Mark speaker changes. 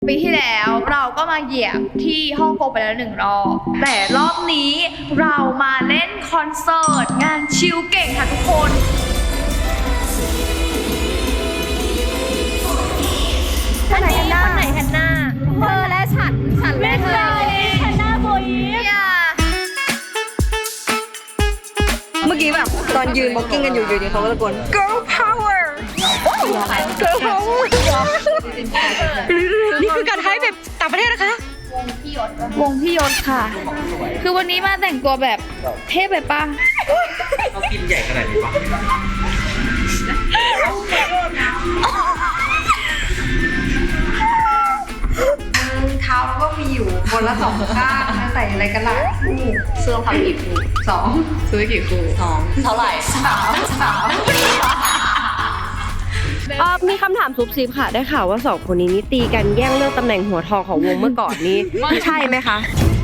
Speaker 1: ปีที่แล้วเราก็มาเหยียบที่ฮ่องกงไปแล้ว1 รอบแต่รอบนี้เรามาเล่นคอนเสิร์ตงานชิลเก่งค่ะทุกคน
Speaker 2: อันนี้คนไหนแฮนนาเธอและฉันและเธอแฮนนาโบยีเมื่อกี้แบบตอนยืนบ็อกกิ้งกันอยู่ดีเขาก็ตะโกน girl power girl power นี่คือการให้แบบต่างประเทศนะคะ
Speaker 1: วงพี่ยศค่ะ คือวันนี้มาแต่งตัวแบบเทพไปปะ
Speaker 3: เขากินใหญ่ขนาดนี้ปะ
Speaker 2: เท้าก็มีอยู่คนละ2 ข้างใส่อะไรกันล่ะเสื้อผ้ากี่คู่2ซื้อกี่คู่2เท่าไหร่3มีคำถามซุบซิบค่ะได้ข่าวว่า2 คนนี้นี่ตีกันแย่งเรื่องตำแหน่งหัวทองของวงเมื่อก่อนนี้ใช่ไหมคะ